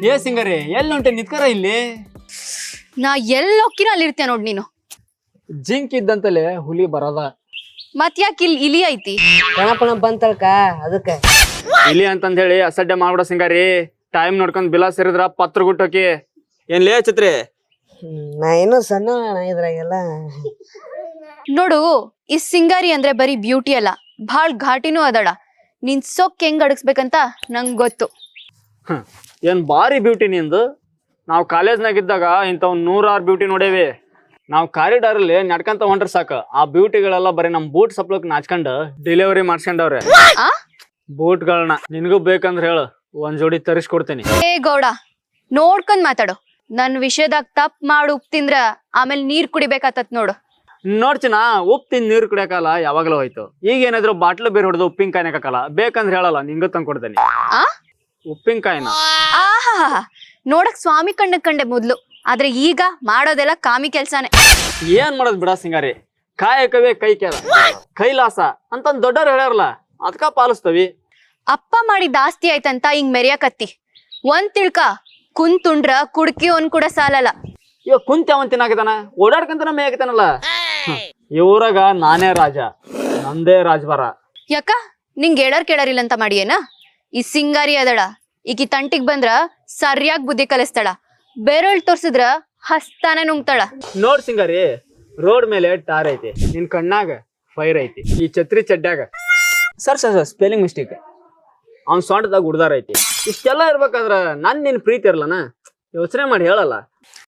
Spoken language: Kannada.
ಏ ಸಿಂಗರಿ ಎಲ್ಲಿ ಹೊಂಟೆ ನಿತ್ಕರ ಇಲ್ಲಿ. ನಾ ಎಲ್ಲೋಕಿನ ಅಲ್ಲಿರ್ತೀಯ ನೋಡ್ ನೀನು. ಜಿಂಕ್ ಇದ್ದಂತಲೇ ಹುಲಿ ಬರದ. ಮತ್ ಯಾಕೆ ಇಲ್ಲಿ ಇಲಿ ಐತಿ? ಗಣಪಣ ಬಂತಲ್ಕ ಅದಕ್ಕೆ. ಇಲಿ ಅಂತಂದ್ ಹೇಳಿ ಅಸಡ್ಡೆ ಮಾಡ್ಬಿಡ ಸಿಂಗಾರಿ. ಟೈಮ್ ನೋಡ್ಕೊಂಡ್ ಬಿಲ ಸೇರಿದ್ರ ಪತ್ರ ಗುಟ್ಟೋಕಿ. ಏನ್ ಲೇ ಛತ್ರಿ? ನಾ ಏನೋ ಸಣ್ಣ ಇದ್ರಾಗೆಲ್ಲ. ನೋಡು, ಈ ಸಿಂಗಾರಿ ಅಂದ್ರೆ ಬರೀ ಬ್ಯೂಟಿ ಅಲ್ಲ, ಭಾಳ್ ಘಾಟಿನೂ ಅದಳ. ನಿನ್ ಸೊಕ್ ಹೆಂಗ್ ಅಡಗಿಸ್ಬೇಕಂತ ನಂಗ್ ಗೊತ್ತು. ಏನ್ ಬಾರಿ ಬ್ಯೂಟಿ ನಿಂದು. ನಾವು ಕಾಲೇಜ್ನಾಗಿದ್ದಾಗ ಇಂಥವ್ 106 ಬ್ಯೂಟಿ ನೋಡೇವಿ. ನಾವು ಕಾರಿಡಾರ್ ಅಲ್ಲಿ ನಡ್ಕಂತ ಹೊಂಟ್ರ ಸಾಕು, ಆ ಬ್ಯೂಟಿಗಳೆಲ್ಲ ಬರೀ ನಮ್ ಬೂಟ್ ಸಪ್ಲಕ್ ನಾಚ್ಕೊಂಡು ಡೆಲಿವರಿ ಮಾಡ್ಸ್ಕೊಂಡವ್ರೆ. ಆ ಬೂಟ್ಗಳನ್ನ ನಿನಗೂ ಬೇಕಂದ್ರೆ ಹೇಳು, ಒಂದ್ ಜೋಡಿ ತರಿಸ್ಕೊಡ್ತೀನಿ. ಏ ಗೌಡ, ನೋಡ್ಕೊಂಡ್ ಮಾತಾಡು. ನನ್ ವಿಷಯದಾಗ ತಪ್ ಮಾಡು ಉಪ್ ತಿಂದ್ರ ಆಮೇಲೆ ನೀರ್ ಕುಡಿಬೇಕಾತತ್ ನೋಡು. ನೋಡ್ಚಿನ ಉಪ್ಪು ತಿಂದು ನೀರು ಕುಡಿಯಕಲ್ಲ ಯಾವಾಗಲೂ ಹೋಯ್ತು. ಈಗ ಏನಾದ್ರು ಬಾಟ್ಲು ಬೇರೆ ಹೊಡೆದು ಉಪ್ಪಿನಕಾಯಿನ ಹಾಕಲ್ಲ, ಬೇಕಂದ್ರೆ ಹೇಳಲ್ಲ ನಿಂಗ ತಂದ್ಕೊಡ್ತೇನೆ. ಆ ಉಪ್ಪಿನಕಾಯಿನ ಆಹಾ, ನೋಡಕ್ ಸ್ವಾಮಿ ಕಂಡೆ ಮೊದ್ಲು, ಆದ್ರೆ ಈಗ ಮಾಡೋದೆಲ್ಲ ಕಾಮಿ ಕೆಲ್ಸಾನೆ. ಏನ್ ಮಾಡೋದ್ ಬಿಡ ಸಿಂಗಾರಿ, ಕಾಯಕವೇ ಕೈ ಕೆಲ ಕೈಲಾಸ ಅಂತಂದ್ ದೊಡ್ಡವ್ರು ಹೇಳ್ಯಾರಲ್ಲ, ಅದಕ್ಕ ಪಾಲಿಸ್ತವಿ. ಅಪ್ಪ ಮಾಡಿದ ಆಸ್ತಿ ಆಯ್ತಂತ ಹಿಂಗ್ ಮೆರಿಯಾಕತ್ತಿ. ಒಂದ್ ತಿಳ್ಕ, ಕುಂತುಂಡ್ರ ಕುಡ್ಕಿ ಒಂದ್ ಕೂಡ ಸಾಲಲ್ಲ. ಇವಾಗ ಕುಂತ ಅವನ್ ತಿನ್ನಾಕಿದಾನ, ಓಡಾಡ್ಕಂತನ ಮೇಯ್ತಾನಲ್ಲ. ಇವ್ರಾಗ ನಾನೇ ರಾಜ, ನಂದೇ ರಾಜಭಾರ. ಯಾಕ ನಿಂಗ್ ಕೇಳರಿಲ್ಲ ಅಂತ ಮಾಡಿಯೇನ? ಈ ಸಿಂಗಾರಿ ಅದಳ, ಈಕಿ ತಂಟಿಗ್ ಬಂದ್ರ ಸರಿಯಾಗಿ ಬುದ್ಧಿ ಕಲಿಸ್ತಾಳ, ಬೆರಳ್ ತೋರ್ಸಿದ್ರ ಹಸ್ತಾನೆ ನುಂಗ್ತಾಳ. ನೋಡ್ ಸಿಂಗಾರಿ, ರೋಡ್ ಮೇಲೆ ಟಾರ್ ಐತಿ, ನಿನ್ ಕಣ್ಣಾಗ ಫೈರ್ ಐತಿ, ಈ ಛತ್ರಿ ಚಡ್ಡ್ಯಾಗ ಸರ್ ಸ್ಪೆಲ್ಲಿಂಗ್ ಮಿಸ್ಟೇಕ್, ಅವ್ನ್ ಸೊಂಟದಾಗ ಉಡ್ದಾರ ಐತಿ. ಇಷ್ಟೆಲ್ಲ ಇರ್ಬೇಕಾದ್ರ ನನ್ ನಿನ್ ಪ್ರೀತಿ ಇರ್ಲನ? ಯೋಚನೆ ಮಾಡಿ ಹೇಳಲ್ಲ.